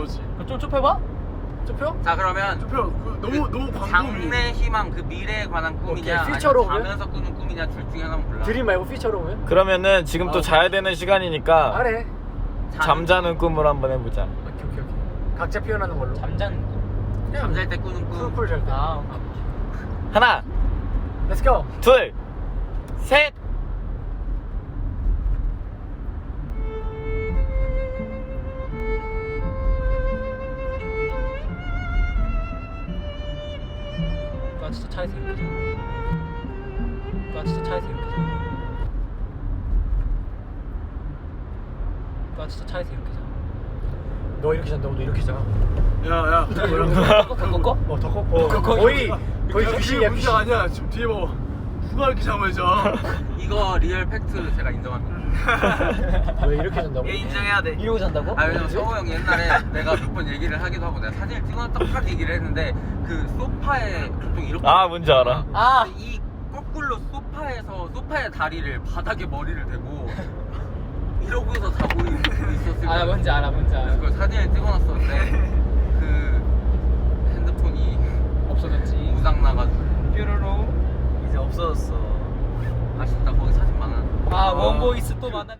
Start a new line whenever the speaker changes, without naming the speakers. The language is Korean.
그거지.
좀 좁혀봐?
좁혀?
자 그러면
좁혀. 너무 광범위.
장래 희망 그 미래에 관한 꿈이냐
오케이, 퓨처로
아니면 자면서 꾸는 꿈이냐 둘 중에 하나만 골라.
드림 말고 피처로 오면?
그러면은 지금 또 자야 되는 시간이니까
말해.
잠자는 꿈으로 한번 해보자.
오케이. 각자 표현하는 걸로.
잠자는 거.
잠잘 때 꾸는 꿈.
쿨쿨 잘 때.
아,
하나,
Let's go.
둘, 셋.
나 진짜 차에서 이렇게 자. 나 진짜 차에서 이렇게 자. 나 진짜 차에서 이렇게 자.
너 이렇게 잔다고 너 이렇게 자.
야.
더 꺾어?
더 꺾고. 거의
그게
귀신이야
문제가
귀신.
아니야. 지금 뒤에 봐봐. 누가 이렇게 잠을 자?
이거 리얼 팩트 제가 인정합니다.
왜 이렇게 잔다고?
인정해야 돼.
이러고 잔다고?
아 왜냐면 성호 형이 옛날에 내가 몇 번 얘기를 하기도 하고 내가 사진을 찍어놨다고 딱 얘기를 했는데 그 소파에 보통 이렇게
아, 뭔지 알아.
아.
이 거꾸로 소파의 다리를 바닥에 머리를 대고 이러고서 자고 있었을
아, 뭔지 알아.
그래서 그걸 사진을 찍어놨었는데 그 핸드폰이
없어졌지.
무상 나가지고
뾰로로.
이제 없어졌어. 아쉽다. 거기 사진 많아.
아, 원보이스 또 만났네.